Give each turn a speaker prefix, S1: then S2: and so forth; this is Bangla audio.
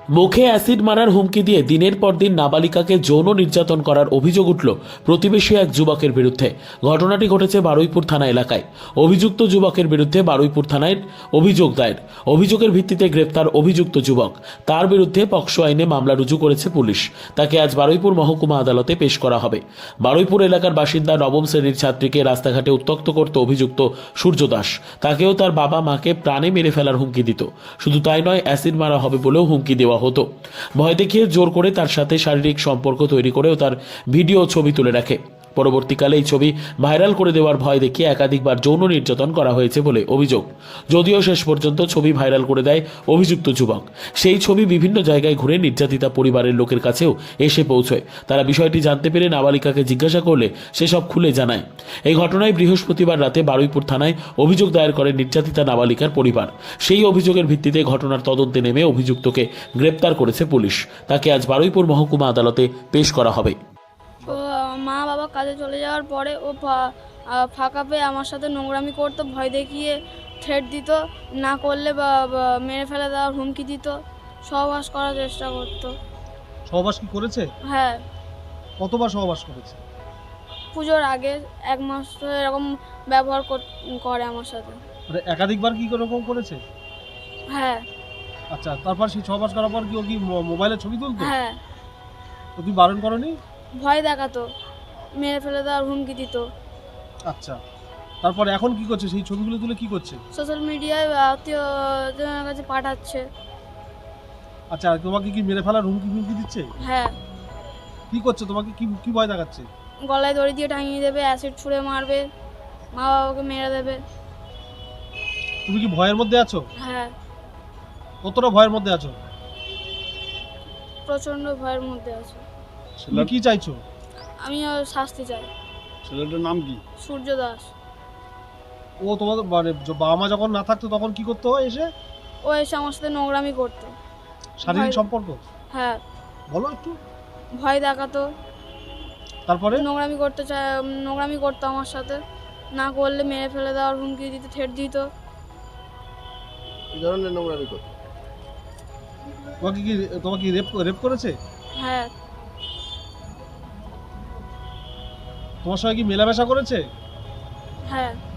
S1: মুখে অ্যাসিড মারার হুমকি দিয়ে দিনের পর দিন নাবালিকাকে যৌন নির্যাতন করার অভিযোগ উঠল প্রতিবেশী এক যুবকের বিরুদ্ধে। ঘটনাটি ঘটেছে বারুইপুর থানা এলাকায়। অভিযুক্ত যুবকের বিরুদ্ধে বারুইপুর থানায় অভিযোগ দায়ের। অভিযোগের ভিত্তিতে গ্রেপ্তার অভিযুক্ত যুবক। তার বিরুদ্ধে পক্সো আইনে মামলা রুজু করেছে পুলিশ। তাকে আজ বারুইপুর মহকুমা আদালতে পেশ করা হবে। বারুইপুর এলাকার বাসিন্দা নবম শ্রেণীর ছাত্রীকে রাস্তাঘাটে উত্ত্যক্ত করতে অভিযুক্ত সূর্য দাস। তাকেও তার বাবা মাকে প্রাণে মেরে ফেলার হুমকি দিত। শুধু তাই নয়, অ্যাসিড মারা হবে বলেও হুমকি দেওয়া হতো। ভয় দেখিয়ে জোর করে তার সাথে শারীরিক সম্পর্ক তৈরি করেও তার ভিডিও ছবি তুলে রাখে। পরবর্তীকালে এই ছবি ভাইরাল করে দেওয়ার ভয় দেখিয়ে একাধিকবার যৌন নির্যাতন করা হয়েছে বলে অভিযোগ। যদিও শেষ পর্যন্ত ছবি ভাইরাল করে দেয় অভিযুক্ত যুবক। সেই ছবি বিভিন্ন জায়গায় ঘুরে নির্যাতিতা পরিবারের লোকের কাছেও এসে পৌঁছয়। তারা বিষয়টি জানতে পেরে নাবালিকাকে জিজ্ঞাসা করলে সে সব খুলে জানায়। এই ঘটনায় বৃহস্পতিবার রাতে বারুইপুর থানায় অভিযোগ দায়ের করে নির্যাতিতা নাবালিকার পরিবার। সেই অভিযোগের ভিত্তিতে ঘটনার তদন্তে নেমে অভিযুক্তকে গ্রেপ্তার করেছে পুলিশ। তাকে আজ বারুইপুর মহকুমা আদালতে পেশ করা হবে।
S2: ও মা বাবা কাজে চলে যাওয়ার পরে ও ফাঁকা পেয়ে আমার সাথে নোংরামি করতো, ভয় দেখিয়ে থ্রেট দিত, না করলে বা মেরে ফেলে দেওয়ার হুমকি দিত, সহবাস করার চেষ্টা করতো।
S3: সহবাস কি করেছে?
S2: হ্যাঁ,
S3: কতবার সহবাস করেছে?
S2: পুজোর আগে 1 মাস তো এরকম ব্যবহার করে আমার সাথে।
S3: মানে একাধিকবার কি এরকম করেছে?
S2: হ্যাঁ
S3: আচ্ছা, তারপর সেই সহবাস করার পর কি ও কি মোবাইলে ছবি তুলতো?
S2: হ্যাঁ,
S3: তো তুমি বারণ করনি?
S2: ভয় দেখাতো, মেরে ফেলে দেওয়ার হুমকি দিত।
S3: আচ্ছা, তারপর এখন কি করছে? সেই ছবিগুলো তুলে কি করছে?
S2: সোশ্যাল মিডিয়ায় আত্মীয়জনের কাছে পাঠাচ্ছে।
S3: আচ্ছা, তোমাকে কি মেরে ফেলার হুমকি দিচ্ছে?
S2: হ্যাঁ,
S3: কি করছে? তোমাকে কি কি ভয় দেখাচ্ছে?
S2: গলায় দড়ি দিয়ে টাঙিয়ে দেবে, অ্যাসিড ছুঁড়ে মারবে, মা বাবাকে মেরে দেবে।
S3: তুমি কি ভয়ের মধ্যে আছো?
S2: হ্যাঁ,
S3: কতটা ভয়ের মধ্যে আছো?
S2: প্রচন্ড ভয়ের মধ্যে আছে।
S3: তুমি কি চাইছো?
S2: আমি শাস্তি চাই।
S3: ছেলেটার নাম কি?
S2: সূর্য দাস।
S3: ও তোমাদের মানে বাবা মা যখন না থাকতো তখন কি করতো এসে?
S2: ও এসে আমার সাথে নোংরামি করতো।
S3: শারীরিক
S2: ভয়-
S3: সম্পর্ক?
S2: হ্যাঁ,
S3: বলো একটু।
S2: ভয় দেখাতো,
S3: তারপরে?
S2: নোংরামি করতো আমার সাথে, না করলে মেরে ফেলে দেওয়ার হুমকি দিত, থ্রেট দিত।
S4: এই ধরনের নোংরামি করতো।
S3: তোমাকে কি রেপ করেছে?
S2: হ্যাঁ,
S3: তোমার সঙ্গে কি মেলামেশা করেছে?
S2: হ্যাঁ,